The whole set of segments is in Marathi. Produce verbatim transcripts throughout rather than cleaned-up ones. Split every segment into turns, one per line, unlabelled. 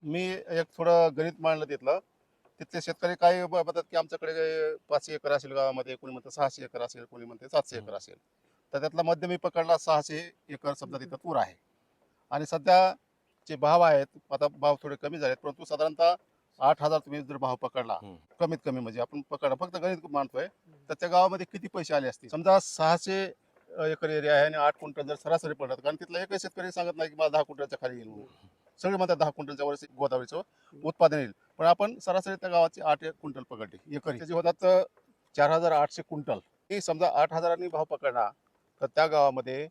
मी एक थोडं गणित मांडलं तिथलं. तिथले शेतकरी काय ब म्हणतात, की आमच्याकडे पाचशे एकर असेल गावामध्ये, कोणी म्हणतं सहाशे एकर असेल, कोणी म्हणते सातशे
हं.
एकर असेल. तर त्यातला मध्य मी पकडला सहाशे एकर समजा तिथं तूर आहे. आणि सध्या जे भाव आहेत, आता भाव थोडे कमी झालेत, परंतु साधारणतः आठ हजार तुम्ही जर भाव पकडला,
हं.
कमीत कमी म्हणजे आपण पकडा फक्त गणित मांडतोय, तर त्या गावामध्ये किती पैसे आले असतील? समजा सहाशे अ, एकर एरिया आहे आणि आठ क्विंटल जर सरासरी पडलं, कारण तिथला एकही शेतकरी सांगत नाही, की मला दहा क्विंटलच्या खाली येईल म्हणून. सगळे म्हणतात दहा क्विंटलच्या वर गोदावरीचं उत्पादन येईल. पण आपण सरासरी त्या गावाची आठ एक क्विंटल पकडली एकरी. त्याचे होतात अ, चार हजार आठशे क्विंटल. ही समजा आठ हजारांनी भाव पकडला, तर त्या गावामध्ये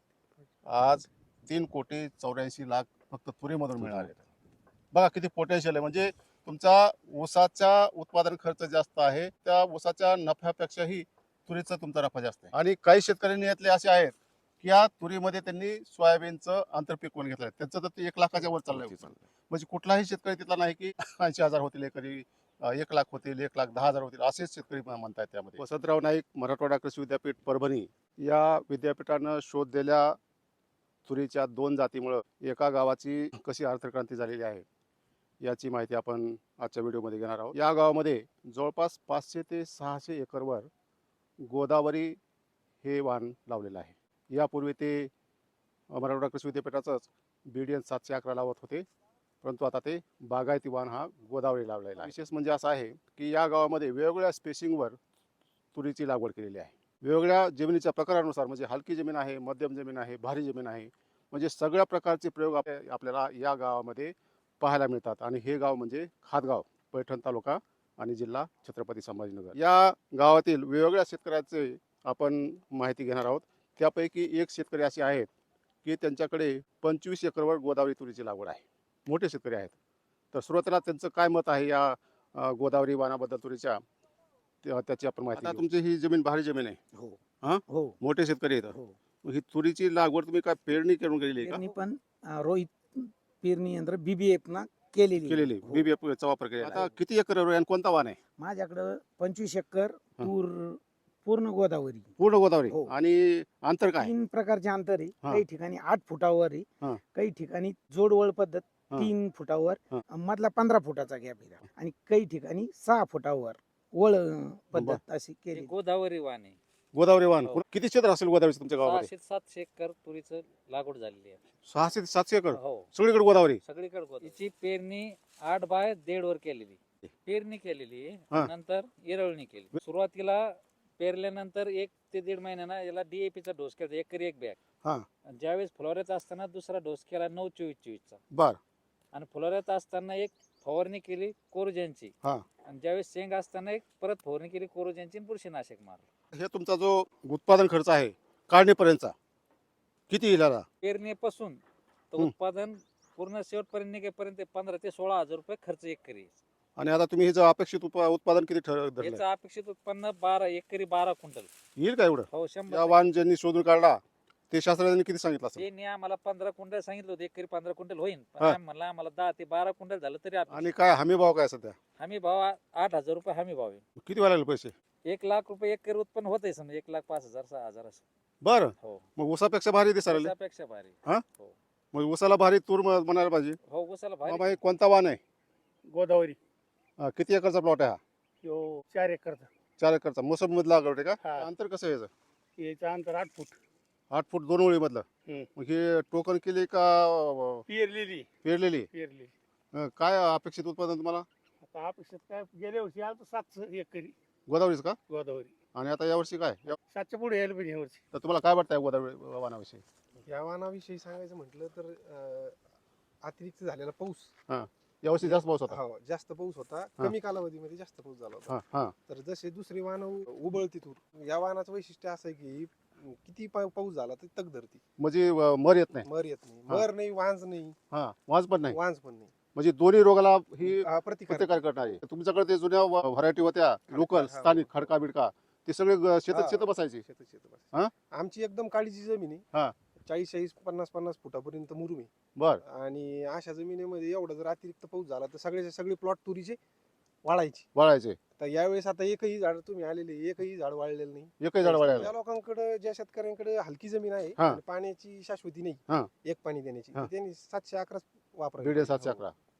आज तीन कोटी चौऱ्याऐंशी लाख फक्त तुरीमधून मिळाले. बघा किती पोटेन्शियल आहे. म्हणजे तुमचा ऊसाचा उत्पादन खर्च जास्त आहे, त्या ऊसाच्या नफ्यापेक्षाही तुरीचा तुमचा नफा जास्त आहे. आणि काही शेतकऱ्यांनी यातले असे आहेत, की या तुरीमध्ये त्यांनी सोयाबीनचं आंतरपीक करून घेतलं. त्यांचं तर ते एक लाखाच्या वर चाललंय. म्हणजे कुठलाही शेतकरी तिथला नाही, की ऐंशी हजार होतील एकरी, अ, एक लाख होतील, एक लाख दहा हजार होतील, असेच शेतकरी म- म्हणतायत त्यामध्ये. वसंतराव नाईक मराठवाडा कृषी विद्यापीठ परभणी या विद्यापीठानं शोध दिलेल्या तुरीच्या दोन जातीमुळं एका गावाची कशी अर्थक्रांती झालेली आहे याची माहिती आपण आजच्या व्हिडिओमध्ये घेणार आहोत. या गावामध्ये जवळपास पाचशे ते सहाशे एकरवर गोदावरी हे वाण लावलेलं आहे. यापूर्वी ते मराठवाडा कृषी विद्यापीठाचंच बी डी एन सातशे अकरा लावत होते, परंतु आता ते बागायती वाण हा गोदावरी लावलेला आहे. विशेष म्हणजे असं आहे की या गावामध्ये वेगवेगळ्या स्पेसिंगवर तुरीची लागवड केलेली आहे. वेगवेगळ्या जमिनीच्या प्रकारानुसार, म्हणजे हलकी जमीन आहे, मध्यम जमीन आहे, भारी जमीन आहे, म्हणजे सगळ्या प्रकारचे प्रयोग आपल्या- आपल्याला या गावामध्ये पाहायला मिळतात. आणि हे गाव म्हणजे खातगाव, पैठण तालुका आणि जिल्हा छत्रपती संभाजीनगर. या गावातील वेगवेगळ्या शेतकऱ्याचे आपण माहिती घेणार आहोत. त्यापैकी एक शेतकरी असे आहेत की त्यांच्याकडे पंचवीस एकरवर गोदावरी तुरीची लागवड आहे. मोठे शेतकरी आहेत. तर सुरुवातीला त्यांचं काय मत आहे या अ, गोदावरी वाणाबद्दल तुरीच्या, त्या- त्याची आपण माहिती आता घेऊ. तुमची ही जमीन भारी जमीन आहे.
हो
हा,
हो
मोठे शेतकरी आहेत.
हो.
मग ही तुरीची लागवड तुम्ही काय पेरणी करून केलेली आहे
पेरणी
का?
पण अं, रोहित पेरणी यंत्र बीबीएफ ना केलेली आहे.
केलेली
हो.
बीबीएफचा वापर केलेला. आता किती एकर आहे आणि कोणता वाण आहे?
माझ्याकडं पंचवीस एकर
हं.
तूर पूर्ण गोदावरी.
पूर्ण गोदावरी.
हो.
आणि अंतर काय?
तीन प्रकारचे अंतर आहे.
हा.
काही ठिकाणी आठ फुटावर आहे.
हा.
काही ठिकाणी जोडवळ पद्धत
हा.
तीन फुटावर,
हा.
अं, मधला पंधरा फुटाचा गॅप आहे आणि काही ठिकाणी सहा फुटावर वळ अं, पद्धत अशी
हे
केली.
गोदावरी वाण आहे.
गोदावरी वाण.
हो.
किती क्षेत्र असेल गोदावरीचं तुमच्या गावामध्ये?
सहाशे सातशे एकर तुरीचं लागवड झालेली आहे.
सहाशे ते सातशे एकर
हो,
सगळीकडे गोदावरी.
सगळीकडे गोदावरी. याची पेरणी आठ बाय दीड वर केलेली. पेरणी केलेली
हा.
नंतर इरवणी केली. सुरुवातीला पेरल्यानंतर एक ते दीड महिन्याना याला डीएपी चा डोस केला, एकरी एक बॅग.
हा.
आणि ज्यावेळेस फुलोऱ्यात असताना दुसरा डोस केला नऊ चोवीस चोवीसचा.
बर.
आणि फुलोऱ्यात असताना एक फवारणी केली कोरोजनची.
हा.
आणि ज्यावेळेस शेंग असताना एक परत फवारणी केली कोरोजनची आणि बुरशीनाशक मारलं.
हे तुमचा जो उत्पादन खर्च आहे काढणीपर्यंतचा किती येईल आता?
पेरणीपासून तर
हं.
उत्पादन पूर्ण शेवटपर्यंत निघेपर्यंत पंधरा ते सोळा हजार रुपये खर्च एकरी.
आणि आता तुम्ही हे जे अपेक्षित उप- उत्पादन किती ठर धरलंय?
याचं अपेक्षित उत्पन्न बारा एकरी बारा क्विंटल.
येईल का एवढं?
हो,
या
शंभर.
वाण ज्यांनी शोधून काढला ते शास्त्रज्ञांनी किती सांगितलं असेल?
त्यांनी आम्हाला पंधरा क्विंटल सांगितलं होतं, एकरी पंधरा क्विंटल होईल. पण
हा.
आम्ही म्हणलं आम्हाला दहा ते बारा क्विंटल झालं तरी अपेक्षित.
आणि काय हमी भाव काय सध्या?
हमी भाव आ- आठ हजार रुपये हमी भाव आहे.
किती व्हायला लागले पैसे?
एक लाख रुपये एकरी उत्पन्न होतंय समजा, एक लाख पाच हजार सहा हजार असं.
बरं.
हो,
मग ऊसापेक्षा भारी दिसायला.
त्यापेक्षा भारी.
हा?
हो
मग ऊसाला भारी तूर म- म्हणायला पाहिजे.
हो, उसाला भारी.
मामा हे कोणता वाण आहे?
गोदावरी.
अं, किती एकरचा प्लॉट आहे हा?
यो चार एकरचा.
चार एकरचा. मोसम मधला लागवड आहे का?
हा.
अंतर कसं आहे याचं?
याचं अंतर आठ फूट.
आठ फूट दोन ओळी मधलं.
हम्म.
मग हे टोकन केली का अं,
पेरलेली
पेरलेली?
पेरली.
अं, काय अपेक्षित उत्पादन तुम्हाला
आता अपेक्षित काय गेल्या वर्षी आलं सातशे एकरी
गोदावरीच का?
गोदावरी.
आणि आता यावर्षी काय? या-
सातच्या पुढे यायला पाहिजे यावर्षी.
तर तुम्हाला काय वाटतंय गोदावरी वाणाविषयी?
या वाहनाविषयी सांगायचं म्हटलं तर अं, अतिरिक्त झालेला पाऊस
यावर्षी जास्त पाऊस होता.
हो जास्त पाऊस होता. कमी कालावधीमध्ये जास्त पाऊस झाला होता.
हा हा.
तर जसे दुसरी वाहन उबळती तूर, या वाहनाचं वैशिष्ट्य असं आहे की किती पा- पाऊस झाला तर तग धरती,
म्हणजे अं, मर येत नाही.
मर येत नाही,
हा.
मर नाही, वांज नाही,
हा, वाज पण नाही.
वांज पण नाही.
म्हणजे दोन्ही रोगाला ही
हा, प्रतिकार
प्रतिकार करणारी. तुमच्याकडे ते जुन्या व्हरायटी होत्या लोकल
हा.
स्थानिक खडका बिडका, ते सगळे ग- शेतात
हा.
शेत बसायचे.
शेतात शेतात
हा?
बस. आमची एकदम काळीची जमीन
हा.
आहे. चाळीस चाळीस पन्नास पन्नास फुटापर्यंत मुरुम आहे.
बर.
आणि अशा जमिनीमध्ये एवढा जर अतिरिक्त पाऊस झाला तर सगळे सगळे प्लॉट तुरीचे वाळायचे.
वाळायचे.
तर यावेळेस आता एकही झाड तुम्ही आलेले एकही झाड वाळलेलं नाही.
एकही झाड वाळायला.
ज्या लोकांकडे ज्या शेतकऱ्यांकडे हलकी जमीन आहे
हा.
आणि पाण्याची शाश्वती
हा.
नाही एक पाणी देण्याची,
हा.
तर त्यांनी सातशे अकरा वापरा.
दीड सातशे अकरा.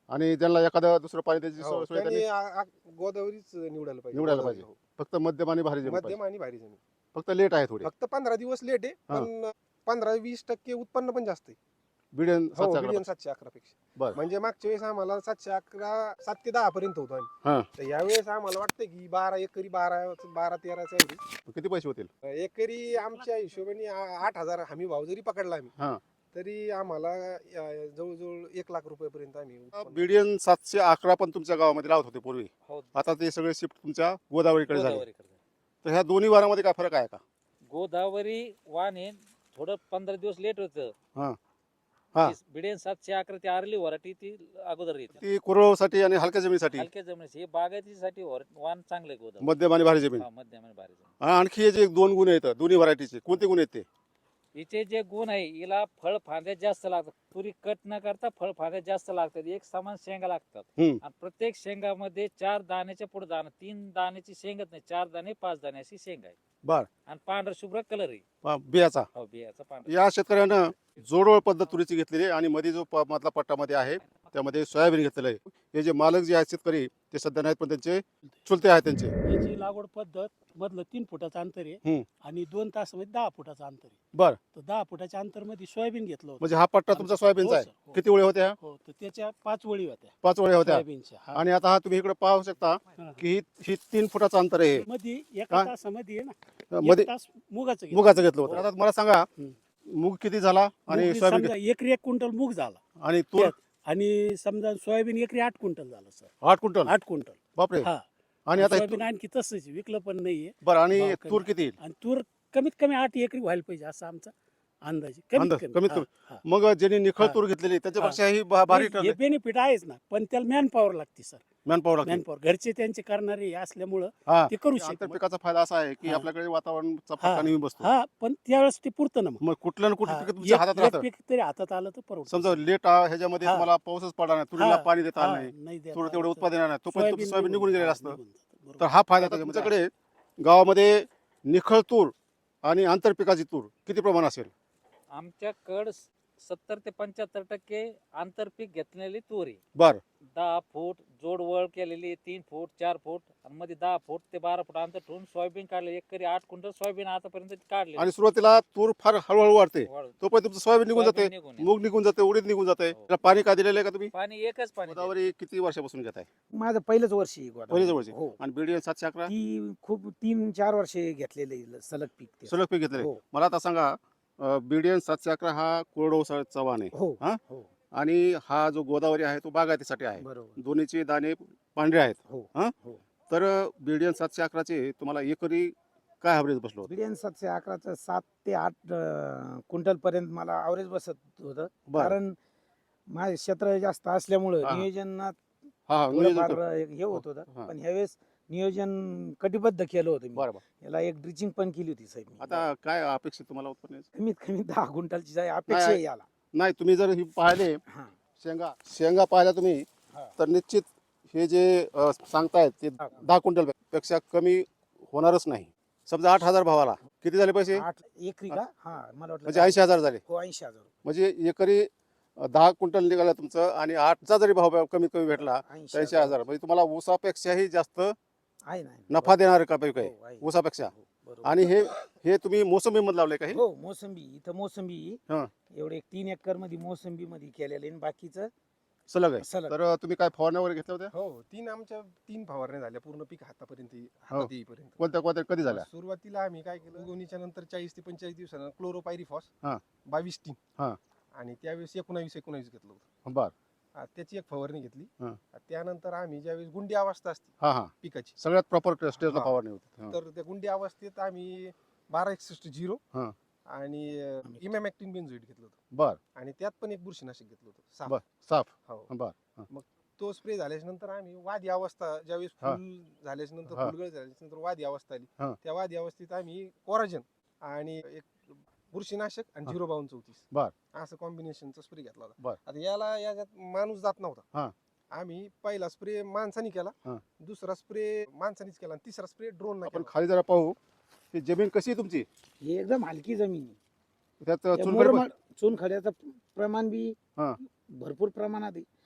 आणि त्यांना एखादं दुसरं पाणी द्यायची
हो,
सोय सोय
त्यांनी
त्यांनी
आ- आ- गोदावरीच निवडायला पाहिजे
निवडायला
गोदावरी,
पाहिजे.
हो.
फक्त मध्यम आणि भारी जमीन
मध्यम
पाहिजे.
आणि भारी जमीन
फक्त लेट आहे थोडी.
फक्त पंधरा दिवस लेट आहे
हा.
पण पंधरा वीस टक्के उत्पन्न पण जास्त आहे.
बिडियन
हो
सातशे
बिलियन
अकरा.
सातशे अकरा पेक्षा
बरं.
म्हणजे मागच्या वेळेस आम्हाला सातशे अकरा सात ते दहा पर्यंत होतो
हा.
आम्ही तर यावेळेस आम्हाला वाटतं की बारा एकरी बारा बारा तेराचा आहे
किती पैसे होतील?
एकरी आमच्या हिशोबाने आ- आठ हजार हमी भाव जरी पकडला आम्ही
हा.
तरी आम्हाला अ, जवळजवळ एक लाख रुपयापर्यंत आम्ही उत्पन्न-
बिडियन सातशे अकरा पण तुमच्या गावामध्ये लावत होते पूर्वी.
हो
आता ते सगळे शिफ्ट तुमच्या गोदावरीकडे झाले.
गोदावरीकडे.
तर ह्या दोन्ही वारामध्ये काय फरक आहे का?
गोदावरी वाण हे थोडं पंधरा दिवस लेट
हा.
होतं.
हा.
बिडेन सातशे अकरा ती आरली वराठी ती अगोदर येते.
ती कोरडवाहूसाठी आणि हलक्या जमिनीसाठी
हलक्या जमिनीची हे बागायतीसाठी वर- वाण चांगलं आहे गोदावरी.
मध्यम आणि भारी जमीन.
हा, मध्यम आणि भारी जमीन.
आणि आणखी हे जे दोन गुण आहेत दोन्ही व्हरायटीचे कोणते गुण आहेत ते?
हिचे जे गुण आहे हिला फळ फांद्या जास्त लागतात. तुरी कट न करता फळ फांद्या जास्त लागतात. एक समान शेंगा लागतात
हम्म.
आणि प्रत्येक शेंगामध्ये चार दाण्याच्या पुढे दाणा, तीन दाण्याची शेंगच नाही, चार दाणे पाच दाणे अशी शेंगा आहे.
बर.
आणि पांढरा शुभ्र कलर आहे.
पा- बियाचा
हो, बियाचा पांढरा.
या शेतकऱ्यानं जोडवळ पद्धत तुरीची घेतलेली आहे आणि मध्ये जो प- मधला पट्टामध्ये आहे त्यामध्ये सोयाबीन घेतलेलं आहे. हे जे मालक जे आहेत शेतकरी ते सध्या नाहीत पण त्यांचे चुलते आहेत त्यांचे.
याची लागवड पद्धत मधलं तीन फुटाचं अंतर आहे
हम्म.
आणि दोन तासामध्ये दहा फुटाचं अंतर आहे.
बर.
तर दहा फुटाच्या अंतर मध्ये सोयाबीन घेतलं होतं.
म्हणजे हा पट्टा तुमचा सोयाबीनचा
हो
आहे.
सर, हो.
किती ओळी होत्या?
हो तर त्याच्या पाच वळी होत्या
पाच ओळी होत्या.
सोयाबीनच्या हा.
आणि आता हा तुम्ही इकडे पाहू शकता
हा.
की ही ही तीन फुटाचं अंतर आहे.
मध्ये
हा?
एका तासामध्ये आहे ना
मध्ये
एक तास मुगाचं घेतलं.
मुगाचं घेतलं होतं.
हो.
आता मला सांगा
हम्म.
मूग किती झाला आणि
मूग
सोयाबीन
समजा एकरी एक क्विंटल मूग झाला
किती? आणि तूर
आणि समजा सोयाबीन एकरी आठ क्विंटल झालं सर.
आठ क्विंटल.
आठ क्विंटल
बापरे.
हा.
आणि आता हे
सोयाबीन आणखी तसंच आहे, विकलं पण नाहीये.
तूर- बरं आणि
भाव कमी.
तूर किती येईल?
आणि तूर कमीत कमी आठ एकरी व्हायला पाहिजे असा आमचा अंदाज आहे. कमीत
अंदाज,
कमी
कमीत
हा,
कमी.
हा.
मग ज्यांनी निखळ
हा.
तूर घेतलेली त्याच्यापेक्षा ही भा- भारी
हे
ठरले.
बेनिफिट आहेच ना पण त्याला मॅन पॉवर लागते सर.
मॅन पॉवर लागते.
मॅन पॉवर घरचे त्यांचे करणारे असल्यामुळं
हा.
ते करू
आंतर
शकतात.
पिकाचा फायदा असा आहे की
हा.
आपल्याकडे वातावरणचा
हा.
फटका नेहमी बसतो.
हा पण त्यावेळेस ते पुरतं ना मग.
मग कुठलं ना कुठलं
हा,
पीक तुमच्या
एक-
हातात
एक
राहतं.
पीक तरी हातात आलं तर परवडतं.
समजा लेट ह्याच्यामध्ये
हा.
तुम्हाला पाऊसच पडला नाही, तुरीला
हा.
पाणी देता आलं
हा,
नाही,
नाही देता
तूर
आलं
तेवढं
तर
उत्पादन येणार नाही, तोपर्यंत तुमचं सोयाबीन निघून गेलेलं
हा,
असतं.
निघून जातं. बरोबर.
तर हा फायदा त्याचा. तुमच्याकडे गावामध्ये निखळ तूर आणि आंतरपिकाची तूर किती प्रमाण असेल?
आमच्याकडं सत्तर ते पंच्याहत्तर टक्के आंतरपीक घेतलेली तूर आहे.
बर.
दहा फूट जोडवळ केलेली, तीन फूट चार फूट आणि मध्ये दहा फूट ते बारा फूट अंतर ठेवून सोयाबीन काढले. एकरी आठ क्विंटल सोयाबीन आतापर्यंत काढले.
आणि सुरुवातीला तूर फार हळूहळू वाढते,
वाढ-
तोपर्यंत तुमचं सोयाबीन निघून
सोयाबीन
जाते,
निघून येतं.
मूग निघून जाते, उडीद निघून जाते.
हो.
त्याला पाणी काय दिलेलं आहे का तुम्ही?
पाणी एकच पाणी देतं.
गोदावरी किती वर्षापासून घेत आहे?
माझं पहिलंच वर्ष आहे गोदावरी.
पहिलेच वर्षी.
हो
आणि बीडीएन सातशे अकरा
ती खूप तीन चार वर्षे घेतलेले सलग पीक ते.
सलग पीक घेतलेले.
हो
मला आता सांगा बीडीएन सातशे अकरा हा कोरडवाहूचा वाण आहे
हो
हा?
हो
आणि हा जो गोदावरी आहे तो बागायतीसाठी आहे.
बरोबर
दोन्हीचे दाणे पांढरे आहेत.
हो
हा?
हो.
तर बीडीएन सातशे अकराचे तुम्हाला एकरी काय ॲव्हरेज बसलो होतं?
बिडियन सातशे अकराचं सात ते आठ क्विंटल पर्यंत मला ॲव्हरेज बसत होतं.
बरं.
कारण माझे क्षेत्र जास्त असल्यामुळं
हा.
नियोजनात
हा हा, नियोजन
थोडंफार
कर-
हे होत होतं.
हा.
पण ह्यावेळेस नियोजन कटिबद्ध केलं होतं मी.
बरं बरं.
याला एक ड्रिचिंग पण केली होती साहेब मी.
आता काय अपेक्षित तुम्हाला उत्पन्न याचं?
कमीत कमी दहा क्विंटलची जाय अपेक्षा आहे याला.
नाही तुम्ही जर ही पाहिले
हा.
शेंगा शेंगा पाहिल्या तुम्ही
हा.
तर निश्चित हे जे अ, सांगतायत ते
हा.
दहा क्विंटल पेक्षा कमी होणारच नाही. समजा आठ हजार भावाला किती झाले पैसे?
आठ एकरी का हा मला वाटलं
म्हणजे ऐंशी हजार झाले.
हो ऐंशी हजार
म्हणजे एकरी अ, दहा क्विंटल निघाला तुमचं आणि आठचा जरी भाव कमीत कमी भेटला
ऐंशी
ऐंशी हजार म्हणजे तुम्हाला ऊसापेक्षाही जास्त
आहे ना
नफा देणार का पीक आहे
हो, आहे.
ऊसापेक्षा.
हो, बरोबर.
आणि हे हे तुम्ही मोसंबी मध्ये लावले का हे?
हो मोसंबी इथं मोसंबी
हा.
एवढे एक तीन एकर मध्ये मोसंबी मध्ये केलेले आणि बाकीचं
सलग आहे.
सलग.
तर तुम्ही काय फवारण्या वगैरे घेतल्या होत्या?
हो तीन आमच्या तीन फवारण्या झाल्या पूर्ण पीक हातापर्यंत ये- हातात येईपर्यंत.
कोणत्या कोणत्या कधी झाल्या?
सुरुवातीला आम्ही काय केलं उगवणीच्या नंतर चाळीस ते पंचेचाळीस दिवसानं क्लोरोपायरिफॉस
हा.
बावीस टीम
हा.
आणि त्यावेळेस एकोणावीस एकोणावीस घेतलं होतं.
बर.
आ, त्याची एक फवारणी घेतली.
हा.
आ, त्यानंतर आम्ही ज्यावेळेस गुंडी अवस्था असते
हा हा
पिकाची
सगळ्यात प्रॉपर स्टेजला
हा.
फवारणी होती. हा.
तर त्या गुंडी अवस्थेत आम्ही बारा एकसष्ट झिरो
हा.
आणि इमॅमॅक्टिन बेन्झोइट घेतलं होतं
बर
आणि त्यात पण एक बुरशीनाशक घेतलं होतं साफ.
बर. साफ.
हो.
बर. हा.
तो स्प्रे झाल्याच्या नंतर आम्ही वादी अवस्था ज्यावेळेस
हा.
फुल झाल्याच्या नंतर
हा.
फुलगळ झाल्याच्या नंतर वादी अवस्था आली
हा.
त्या वादी अवस्थेत आम्ही कोराजन आणि एक बुरशीनाशक आणि
हा.
झिरो बावन्न चौतीस
बर.
असं कॉम्बिनेशनचा स्प्रे घेतला
बर.
होता. आता याला याच्यात माणूस जात
हा.
नव्हता. आम्ही पहिला स्प्रे माणसाने केला,
हा.
दुसरा स्प्रे माणसानेच केला आणि तिसरा स्प्रे ड्रोन
आपण खाली जरा पाहू ही जमीन कशी आहे तुमची?
ही एकदम हलकी जमीन आहे.
त्यात
त्या
चुनखडी पण-
मुरमाड- चुनखड्याचं प्रमाण बी
हा.
भरपूर प्रमाणात आहे.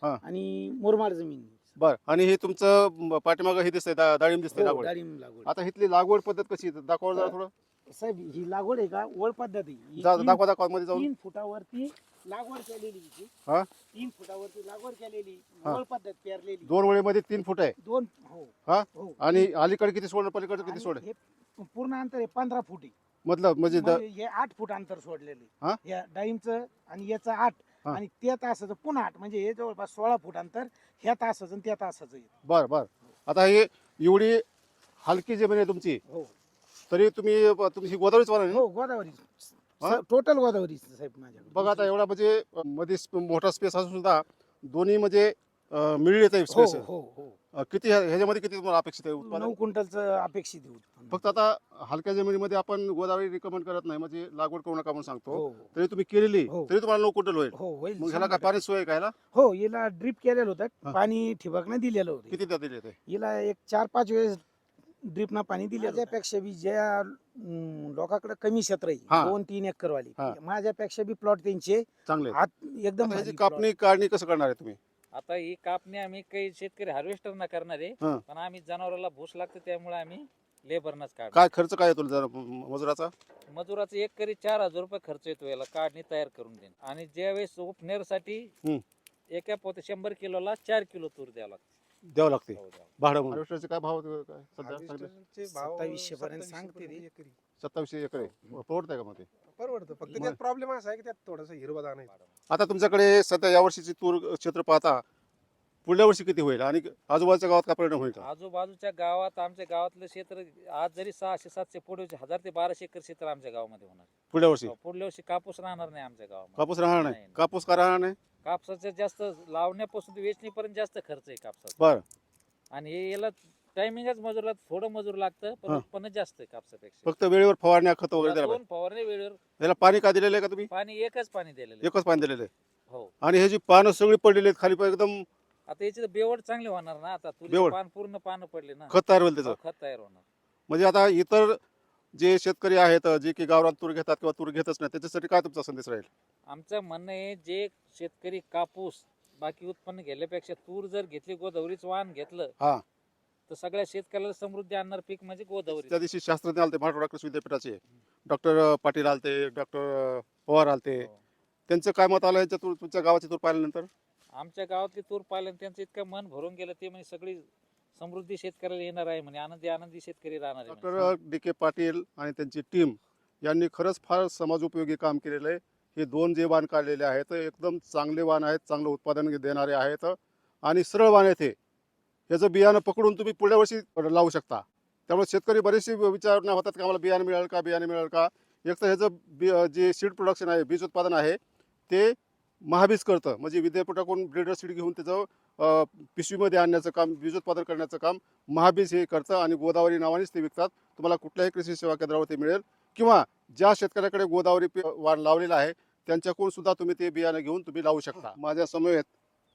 हा.
आणि मुरमाड जमीन
बर आणि हे तुमचं म, पाठीमागं हे दिसतंय दा- डाळिंब दिसतंय
हो,
लागवड.
डाळिंब लागवड
आता इथली लागवड पद्धत कशी आहे? दाखवा जरा थोडं.
साहेब ही लागवड आहे का ओळ पद्धत आहे ही
जा-
तीन-
दाखवा दाखवा मध्ये जाऊन.
तीन फुटावरती लागवड केलेली हिची.
हा?
तीन फुटावरती लागवड केलेली
हा.
ओळ पद्धत पेरलेली
दोन वेळेमध्ये तीन फूट आहे
दोन हो
हा?
हो
आणि अलीकडे किती सोड पलीकडे किती
आणि
सोड आहे?
हे पूर्ण अंतर आहे पंधरा फूट आहे
मतलब म्हणजे द-
म्हणजे हे आठ फूट अंतर सोडलेले
हा?
या डाळिंबचं आणि याचं आठ
हा.
आणि त्या तासाचं पुन्हा आठ म्हणजे हे जवळपास सोळा फूट अंतर ह्या तासाचं आणि त्या तासाचं आहे.
बर बर आता हे एवढी हलकी जमीन आहे तुमची
हो
तरी तुम्ही तुमची गोदावरीच वाला
हो गोदावरी
हा?
टोटल गोदावरी साहेब माझ्याकडे
बघा आता एवढा म्हणजे अ, मध्ये स्प- मोठा स्पेस असून सुद्धा दोन्ही म्हणजे अ, मिळत आहे
हो
स्पेस
हो हो
किती ह्या- ह्याच्यामध्ये किती तुम्हाला अपेक्षित आहे उत्पादन?
नऊ क्विंटलचं अपेक्षित आहे उत्पन्न.
फक्त आता हलक्या जमिनीमध्ये आपण गोदावरी रिकमेंड करत नाही म्हणजे लागवड करू नका म्हणून सांगतो.
हो
तरी तुम्ही केलेली
हो.
तरी तुम्हाला नऊ क्विंटल होईल.
हो होईल
मग ह्याला काय
शंभर
पाणी सोय आहे का ह्याला?
टक्के. हो हिला ड्रिप केलेलं
हा.
होतं पाणी ठिबकनं दिलेलं होतं
किती द्या दिले ते?
हिला एक चार पाच वेळेस ड्रिपनं पाणी दिलं माझ्यापेक्षा बी ज्या अं, लोकांकडे कमी क्षेत्र
हा.
आहे दोन तीन एकर वाली
हा.
माझ्यापेक्षा बी प्लॉट त्यांचे
चांगले आहेत.
आत एकदम
आता ह्याची
भारी plot.
कापणी काढणी कसं करणार आहे तुम्ही?
आता ही कापणी आम्ही काही शेतकरी हार्वेस्टर ना करणार आहे
हा.
पण आम्ही जनावराला भूस लागतं त्यामुळे आम्ही लेबरनच काढणार.
काय खर्च काय येतो जरा म- मजुराचा?
मजुराचा एक करी चार हजार रुपये खर्च येतो याला काढणी तयार करून देणे आणि ज्यावेळेस उपनेरसाठी
हम्म.
एका पोते शंभर किलोला चार किलो तूर द्यावं लागतं.
द्यावं लागते
हो, द्यावं.
भाडं म्हणून. हार्वेस्टरचे काय भाव होते काय सध्या सांगितले?
हार्वेस्टरचे भाव
सत्तावीसशे पर्यंत
सत्तावीसशे
सांगते ते.
पर्यंत एकरी.
सत्तावीसशे एकर आहे. परवडतंय का मग ते?
परवडतं फक्त
मग-
त्यात प्रॉब्लेम असा आहे की त्यात थोडासा हिरवा दाणा आहे.
आता तुमच्याकडे सध्या या वर्षीची तूर क्षेत्र पाहता पुढल्या वर्षी किती होईल आणि आजूबाजूच्या गावात काय परिणाम होईल का?
आजूबाजूच्या गावात आमच्या गावातलं क्षेत्र आज जरी सहाशे सातशे पुढे हजार ते बाराशे एकर क्षेत्र आमच्या गावामध्ये होणार.
पुढल्या वर्षी
हो, पुढल्या वर्षी कापूस राहणार नाही आमच्या गावामध्ये.
कापूस राहणार नाही.
नाही.
कापूस का राहणार नाही?
कापसाचा जास्त लावण्यापासून ते वेचणीपर्यंत जास्त खर्च आहे कापसाचा
बर
आणि हे याला टायमिंगच मजूरला थोडं मजूर लागतं पण
हा.
उत्पन्न जास्त आहे कापसापेक्षा.
फक्त वेळेवर फवारण्या खत वगैरे द्यायला
दोन फवारणी वेळेवर
पाहिजे. याला पाणी का दिलेलं आहे का तुम्ही?
पाणी एकच पाणी दिलेलं आहे.
एकच पाणी दिलेलं आहे
हो
आणि ह्याची पानं सगळी पडलेली आहेत खाली पण एकदम
आता याची तर बेवड चांगली होणार ना आता तुरी
बेवड?
पान पूर्ण पानं पडले ना
खत तयार होईल त्याचं.
हो, खत तयार होणार.
म्हणजे आता इतर जे शेतकरी आहेत जे की गावरान तूर घेतात किंवा तूर घेतच नाही त्याच्यासाठी काय तुमचा संदेश राहील?
आमचं म्हणणं आहे जे शेतकरी कापूस बाकी उत्पन्न घेण्यापेक्षा तूर जर घेतली गोदावरीच वाहन घेतलं
हा.
तर सगळ्या शेतकऱ्याला समृद्धी आणणार पीक म्हणजे गोदावरी.
त्या दिवशी शास्त्रज्ञ आलते मराठवाडा कृषी विद्यापीठाचे डॉक्टर पाटील आलते, डॉक्टर पवार आलते.
हो.
त्यांचं काय मत आलं यांच्या तूर तुमच्या गावाची तूर पाहिल्यानंतर?
आमच्या गावातली तूर पाहिल्यानं त्यांचं इतकं मन भरून गेलं ते म्हणजे सगळी समृद्धी शेतकऱ्याला येणार आहे म्हणे आनंदी आनंदी शेतकरी राहणार आहे म्हणे.
डॉक्टर डी के पाटील आणि त्यांची टीम यांनी खरंच फार समाजोपयोगी काम केलेलं आहे. हे दोन जे वाण काढलेले आहेत एकदम चांगले वाण आहेत, चांगलं उत्पादन देणारे आहेत आणि सरळ वाण आहेत. हे ह्याचं बियाणं पकडून तुम्ही पुढल्या वर्षी लावू शकता. त्यामुळे शेतकरी बरेचसे विचारणा होतात की आम्हाला बियाणं मिळेल का बियाणं मिळेल का. एक तर ह्याचं बी जे सीड प्रोडक्शन आहे बीज उत्पादन आहे ते महाबीज करतं म्हणजे विद्यापीठाकडून ब्रीडर सीड घेऊन त्याचं अ, पिशवीमध्ये आणण्याचं काम बीजोत्पादन करण्याचं काम महाबीज हे करतं आणि गोदावरी नावानेच ते विकतात. तुम्हाला कुठल्याही कृषी सेवा केंद्रावर ते मिळेल किंवा ज्या शेतकऱ्याकडे गोदावरी पी- वाण लावलेला आहे त्यांच्याकडून सुद्धा तुम्ही ते बियाणं घेऊन तुम्ही लावू शकता. माझ्या समवेत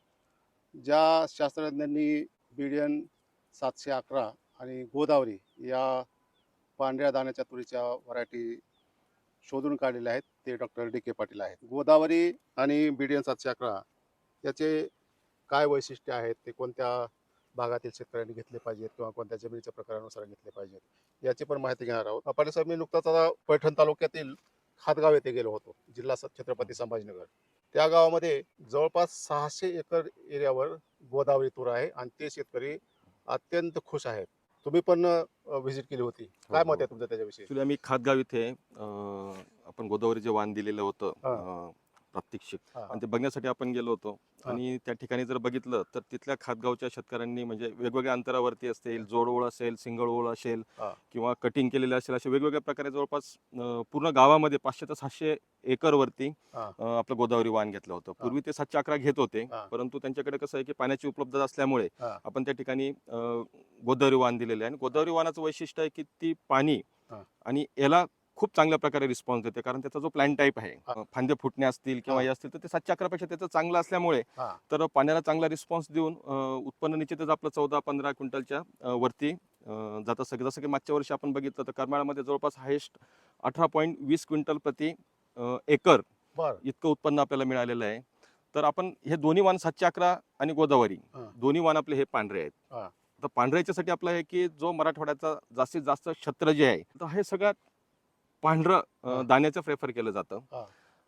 ज्या शास्त्रज्ञांनी बीडीएन सातशे अकरा आणि गोदावरी या पांढऱ्या दाण्याच्या तुरीच्या व्हरायटी शोधून काढलेल्या आहेत ते डॉक्टर डी के पाटील आहेत. गोदावरी आणि बीडीएन सातशे अकरा याचे काय वैशिष्ट्य आहेत ते कोणत्या भागातील शेतकऱ्यांनी घेतले पाहिजेत किंवा कोणत्या जमिनीच्या प्रकारानुसार घेतले पाहिजेत याची पण माहिती घेणार आहोत. पाटील साहेब मी नुकताच आता पैठण तालुक्यातील खातगाव येथे गेलो होतो जिल्हा स- छत्रपती संभाजीनगर. त्या गावामध्ये जवळपास सहाशे एकर एरियावर गोदावरी तूर आहे आणि ते शेतकरी अत्यंत खुश आहेत. तुम्ही पण व्हिजिट केली होती, काय मत आहे तुमचं त्याच्याविषयी?
ऍक्च्युली आम्ही खातगाव इथे अं, आपण गोदावरी जे वाण दिलेलं होतं
हा.
अं, प्रात्यक्षिक
हा, हा.
आणि ते बघण्यासाठी आपण गेलो होतो
हा.
आणि त्या ठिकाणी जर बघितलं तर तिथल्या खातगावच्या शेतकऱ्यांनी म्हणजे वेगवेगळ्या अंतरावरती असतील जोड ओळ असेल सिंगल ओळ असेल
हा.
किंवा कटिंग केलेले असेल असे वेगवेगळ्या प्रकारे जवळपास अं, पूर्ण गावामध्ये पाचशे ते सातशे एकर वरती
हा.
अं, आपलं गोदावरी वाण घेतलं होतं. पूर्वी ते सातशे अकरा घेत होते
हा.
परंतु त्यांच्याकडे कसं आहे की पाण्याची उपलब्धता असल्यामुळे
हा.
आपण त्या ठिकाणी अं, गोदावरी वाण दिलेले आहे आणि गोदावरी वाणाचं वैशिष्ट्य आहे की ती पाणी
हा.
आणि याला खूप चांगल्या प्रकारे रिस्पॉन्स देते कारण त्याचा जो प्लॅन टाईप आहे
हा.
फांदे फुटणे असतील किंवा
हा.
हे असतील तर ते सातशे अकरा पेक्षा त्याचं चांगलं असल्यामुळे
हा.
तर पाण्याला चांगला रिस्पॉन्स देऊन अं, उत्पन्न निश्चितच आपलं चौदा पंधरा क्विंटलच्या अं, वरती अं, जात असतं. जसं की मागच्या वर्षी आपण बघितलं तर करमाळामध्ये जवळपास हायेस्ट अठरा पॉईंट वीस क्विंटल प्रति अं, एकर
बर
इतकं उत्पन्न आपल्याला मिळालेलं आहे. तर आपण हे दोन्ही वाण सातशे अकरा आणि गोदावरी
हा.
दोन्ही वाण आपले हे पांढरे आहेत.
हा.
तर पांढऱ्याच्यासाठी आपलं आहे की जो मराठवाड्याचा जास्तीत जास्त क्षेत्र जे आहे तर हे सगळ्यात पांढरं
हा.
अं, दाण्याचं प्रेफर केलं जातं.
हा.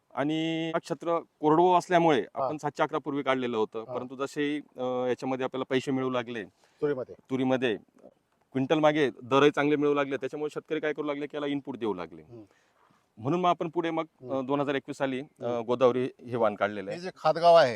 आणि हा क्षेत्र कोरडवं असल्यामुळे आपण सातशे अकरा पूर्वी काढलेलं होतं.
हा.
परंतु जसे अं, याच्यामध्ये आपल्याला पैसे मिळू लागले,
तुरीमध्ये
तुरीमध्ये क्विंटल मागे दरही चांगले मिळू लागले, त्याच्यामुळे शेतकरी काय करू लागले की याला इनपुट देऊ लागले.
हम्म.
म्हणून मग आपण पुढे मग
हम्म.
दोन हजार एकवीस साली अं,
हम्म.
गोदावरी हे वाण काढलेलं
हे
आहे.
जे खातगाव आहे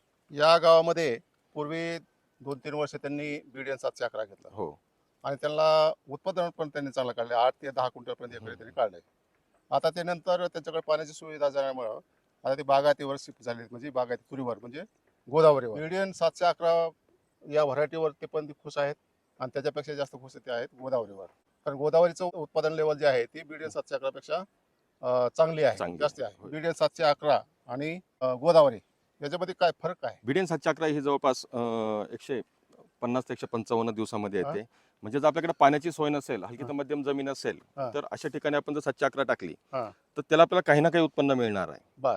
या गावामध्ये पूर्वी दोन तीन वर्ष त्यांनी बीडीएन सातशे अकरा घेतला
हो.
आणि त्यांना उत्पादन पण त्यांनी चांगलं काढले, आठ ते दहा क्विंटल पर्यंत एकरी त्यांनी काढले. आता ते नंतर त्यांच्याकडे पाण्याची सुविधा झाल्यामुळं आता ते बागायतीवर शिफ्ट झाले, म्हणजे बागायती तुरीवर म्हणजे गोदावरीवर. बीडीएन सातशे अकरा या व्हरायटीवर ते पण ते खुश आहेत आणि त्याच्यापेक्षा जास्त खुश ते आहेत गोदावरीवर. कारण गोदावरीचं उत्पादन लेवल जे आहे ती बीडीएन सातशे अकरा पेक्षा अं, चांगली आहे,
चांगली
जास्त
आहे.
आहे.
होय.
बीडीएन सातशे अकरा आणि अं, गोदावरी याच्यामध्ये काय फरक आहे?
बीडीएन सातशे अकरा ही जवळपास अं, एकशे पन्नास ते एकशे पंचावन्न दिवसामध्ये
हा.
येते. म्हणजे जर आपल्याकडे पाण्याची सोय नसेल, हलकी
हा.
तर मध्यम जमीन असेल,
हा.
तर अशा ठिकाणी आपण जर सातशे अकरा टाकली
हा.
तर त्याला आपल्याला काही ना काही उत्पन्न मिळणार आहे.
बर.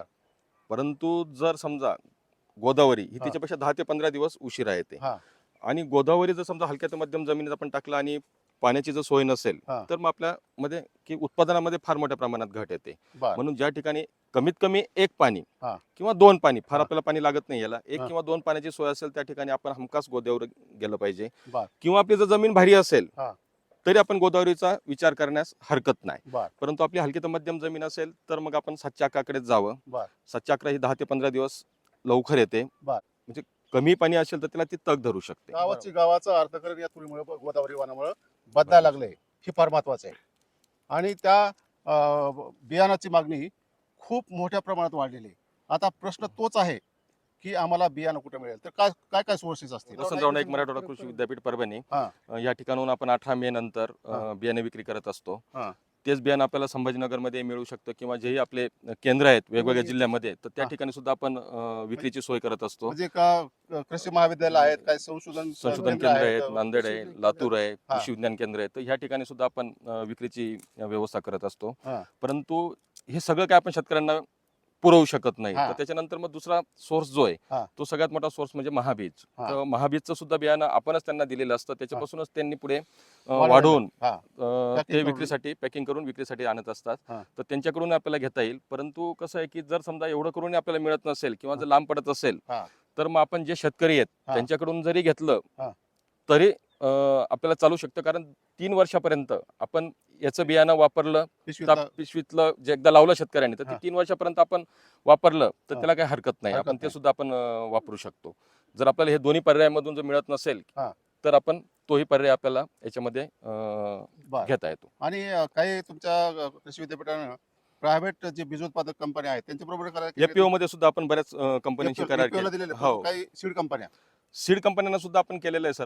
परंतु जर समजा गोदावरी ही
हा.
त्याच्यापेक्षा दहा ते पंधरा दिवस उशिरा येते
हा.
आणि गोदावरी जर समजा हलक्या ते मध्यम जमिनीत आपण टाकला आणि पाण्याची जर सोय नसेल
हा.
तर मग आपल्यामध्ये की उत्पादनामध्ये फार मोठ्या प्रमाणात घट येते.
बर.
म्हणून ज्या ठिकाणी कमीत कमी एक पाणी
हा.
किंवा दोन पाणी, फार
हा.
आपल्याला पाणी लागत नाही याला, एक
हा.
किंवा दोन पाण्याची सोय असेल त्या ठिकाणी आपण हमखास गोदावरी गेलं पाहिजे.
बर.
किंवा आपली जर जमीन भारी असेल
हा.
तरी आपण गोदावरीचा विचार करण्यास हरकत नाही.
बर.
परंतु आपली हलकी तर मध्यम जमीन असेल तर मग आपण सातशे अकराकडेच जावं.
बर.
सातशे अकरा ही दहा ते पंधरा दिवस लवकर येते.
बर.
म्हणजे कमी पाणी असेल तर त्याला ती तग धरू शकते.
गावाची गावाचं अर्थकारण या तुरीमुळे गोदावरी वाणामुळे बदलायला लागले, हे फार महत्वाचं आहे. आणि त्या अं, बियाणाची मागणी खूप मोठ्या प्रमाणात वाढलेली आहे. आता प्रश्न तोच आहे की आम्हाला बियाणं कुठे मिळेल, तर काय काय काय सोर्सेस असतील?
वसंतराव नाईक मराठवाडा कृषी विद्यापीठ परभणी
हा.
अं, या ठिकाणाहून आपण अठरा मे नंतर अं,
हा.
बियाणे विक्री करत असतो.
हा.
तेच बियाणं आपल्याला संभाजीनगरमध्ये मिळू शकतं किंवा जेही आपले केंद्र आहेत वेगवेगळ्या
म्हणजे-
जिल्ह्यामध्ये तर त्या
हा.
ठिकाणी सुद्धा आपण अं, विक्रीची सोय करत असतो.
म्हणजे का कृषी महाविद्यालय आहेत, काय संशोधन
संशोधन केंद्र आहेत, नांदेड आहे, लातूर आहे,
हा.
कृषी विज्ञान केंद्र आहे, तर ह्या ठिकाणी सुद्धा आपण अं, विक्रीची अं, व्यवस्था करत असतो.
हा.
परंतु हे सगळं काय आपण शेतकऱ्यांना पुरवू शकत नाही.
हा.
तर त्याच्यानंतर मग दुसरा सोर्स जो आहे
हा.
तो सगळ्यात मोठा सोर्स म्हणजे महाबीज.
हा.
तर महाबीजचं सुद्धा बियाणं आपणच त्यांना दिलेलं असतं, त्याच्यापासूनच त्यांनी पुढे अं,
वाढवलेलं.
वाढवून
हा.
अं,
Packing
ते
करून.
विक्रीसाठी पॅकिंग करून विक्रीसाठी आणत असतात.
हा.
तर त्यांच्याकडून आपल्याला घेता येईल. परंतु कसं आहे की जर समजा एवढं करून आपल्याला मिळत नसेल किंवा जर लांब पडत असेल
हा.
तर मग आपण जे शेतकरी आहेत
हा.
त्यांच्याकडून जरी घेतलं
हा.
तरी अं, आपल्याला चालू शकतं. कारण तीन वर्षापर्यंत आपण याचं बियाणं वापरलं
पिशवीत
त्या पिशवीतलं जे एकदा लावलं शेतकऱ्यांनी तर ते
हा.
तीन वर्षापर्यंत आपण वापरलं तर
हा.
त्याला काही हरकत नाही.
हरकत
आपण ते
नाही.
सुद्धा आपण अं, वापरू शकतो. जर आपल्याला हे दोन्ही पर्यायामधून जर मिळत नसेल
हा.
तर आपण तोही पर्याय आपल्याला याच्यामध्ये अं,
बर.
घेता येतो.
आणि अं, काही तुमच्या अं, कृषी विद्यापीठानं प्रायव्हेट जे बीज उत्पादक कंपन्या आहेत त्यांच्याबरोबर करार केले
एफपीओ मध्ये सुद्धा आपण बऱ्याच अं, कंपन्यांशी
F P O
करार
ला
केले.
दिलेले
हो,
काही सीड कंपन्या
सीड कंपन्यांना सुद्धा आपण केलेलं आहे सर.